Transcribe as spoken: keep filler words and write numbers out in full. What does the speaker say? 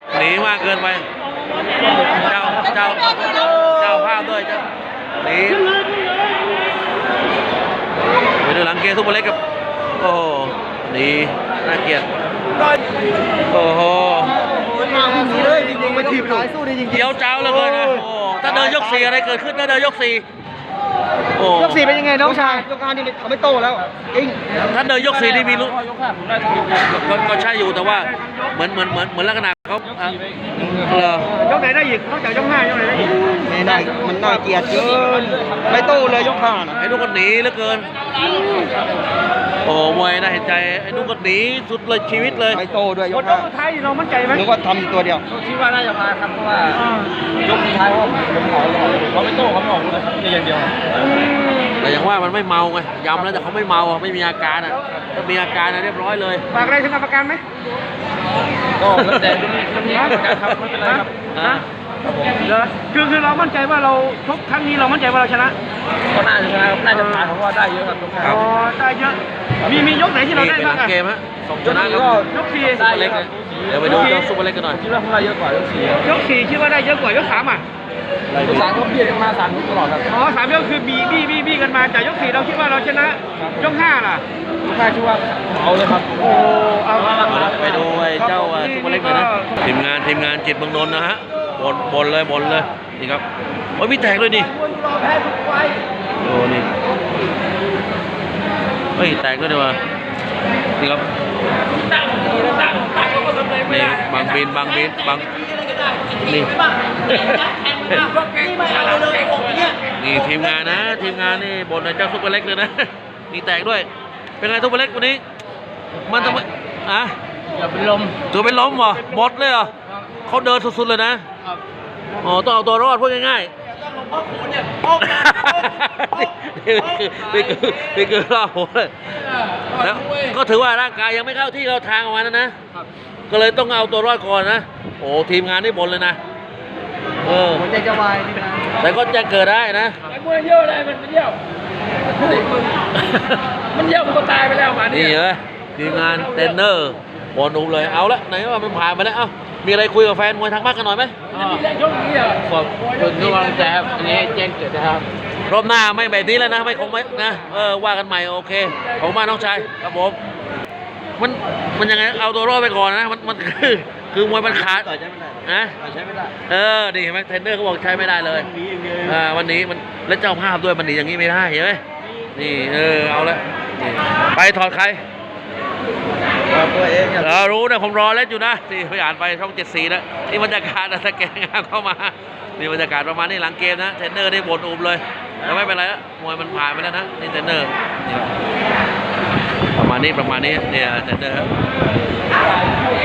หนีมากเกินไปเจ้าเจ้าเจ้าภาพด้วยเจ้าหนีไปดูหลังเกมซุปเปอร์เล็กกับโอ้โหหนีน่าเกลียดโอ้โหเลยจริงๆมาทีมสู้ดีจริงๆเดี๋ยวเจ้าเลยเลยนะโอ้ถ้าเดินยกสี่อะไรเกิดขึ้นถ้าเดินยกสี่โอ้ยกสี่เป็นยังไงน้องชายยกห้านี่เขาไม่โตแล้วจริงถ้าเดินยกสี่นี่มีรู้ก็ใช่อยู่แต่ว่าเหมือนเหมือนเหมือนเหมือนลักษณะเขาเออยกไหนได้อีกนอกจากยกห้ายกไหนได้อีกไม่ได้มันน่าเกลียดเกินไม่โตเลยยกห้านะไอ้นุ๊กก็หนีเหลือเกินโอ้มวยน่าเห็นใจไอ้นุ๊กก็หนีสุดเลยชีวิตเลยไม่โตด้วยยกห้าท้ายเรามั่นใจไหมนึกว่าทำอยู่ตัวเดียวคิดว่าน่าจะมาครับเพราะว่ายกท้ายว่าผมขอเขาไม่โต้เขาไม่ออกเลยครับในอย่างเดียวแต่อย่างว่ามันไม่เมาไงยำแล้วแต่เขาไม่เมาไม่มีอาการอ่ะถ้ามีอาการเรียบร้อยเลยฝากอะไรถึงกรรมการไหมก็แล้วแต่แล้วมีการครับไม่เป็นไรครับนะคือคือเรามั่นใจว่าเราชกครั้งนี้เรามั่นใจว่าเราชนะก็น่าจะชนะครับน่าจะผ่านเพราะว่าได้เยอะครับอ๋อได้เยอะมีมียกไหนที่เราได้บ้างเกมฮะสองชนะก็ยกสี่ซุปเปอร์เล็กเดี๋ยวไปดูยกซุปเปอร์เล็กกันหน่อยคิดว่าได้เยอะกว่ายกสี่ยกสี่คิดว่าได้เยอะกว่ายกสามอ่ะยกสามก็เบียดกันมาสามยกตลอดครับอ๋อสามยกคือบีบีบีบีกันมาแต่ยกสี่เราคิดว่าเราชนะยกห้าล่ะยกห้าคิดว่าเอาเลยครับโอ้เอาไปดูไอ้เจ้าซุปเปอร์เล็กหน่อยนะทีมงานทีมงานจิตเมืองนนท์นะฮะบนบนเลยบนเลยนี่ครับโอ้ยมีแตกด้วยนี่โอ้นี่เฮ้ยแตกด้วยดีว่านี่ครับนี่บางบินบางบินบางนี่นี่ทีมงานนะทีมงานนี่บนเจ้าซุปเปอร์เล็กเลยนะนี่แตกด้วยเป็นไงซุปเปอร์เล็กวันนี้มันทำไมอ่ะอย่าเป็นลมตัวเป็นล้มเหรอหมดเลยเหรอเขาเดินสุดๆเลยนะอ๋อต้องเอาตัวรอดพูดง่ายๆนี่คือนี่คือล่าโหดเลยแล้วก็ถือว่าร่างกายยังไม่เข้าที่เข้าทางออกมานะนะก็เลยต้องเอาตัวรอดก่อนนะโอ้ทีมงานนี่บ่นเลยนะเออหัวใจจะวายนี่นะแต่ก็จะเกิดได้นะไอ้มวยเยี่ยวอะไรมันเยี่ยวมันเยี่ยวมันก็ตายไปแล้วมานี่นี่เลยทีมงานเทรนเนอร์บอลอุ้มเลยเอาละไหนว่ามันผ่านไปแล้วเอ้ามีอะไรคุยกับแฟนมวยทางบ้านกันหน่อยไหมมีแรงยกนี้อ่ะขอบคุณทุกกำลังใจครับอันนี้แจ้งเกิดนะครับรอบหน้าไม่แบบนี้แล้วนะไม่คงไม่นะเออว่ากันใหม่โอเคผมมาน้องชายครับผมมันมันยังไงเอาตัวรอดไปก่อนนะมันมันคือคือมวยมันขาดต่อยใช้ไม่ได้นะใช้ไม่ได้เออดีเห็นไหมเทรนเนอร์เขาบอกใช้ไม่ได้เลยอ่าวันนี้มันแล้วเจ้าภาพด้วยมันหนีอย่างนี้ไม่ได้เห็นไหมนี่เออเอาละไปถอดใครตัวเองเรารู้นะผมรอเล่นอยู่นะนี่ไปอ่านไปช่องเจ็ดสีนะนี่บรรยากาศนะถ้าแกงานเข้ามานี่บรรยากาศประมาณนี้หลังเกมนะเทรนเนอร์ได้บ่นอุบเลยแต่ไม่เป็นไรละมวยมันผ่านไปแล้วนะนี่เทรนเนอร์นี่ประมาณนี้ประมาณนี้เนี่ยเทรนเนอร์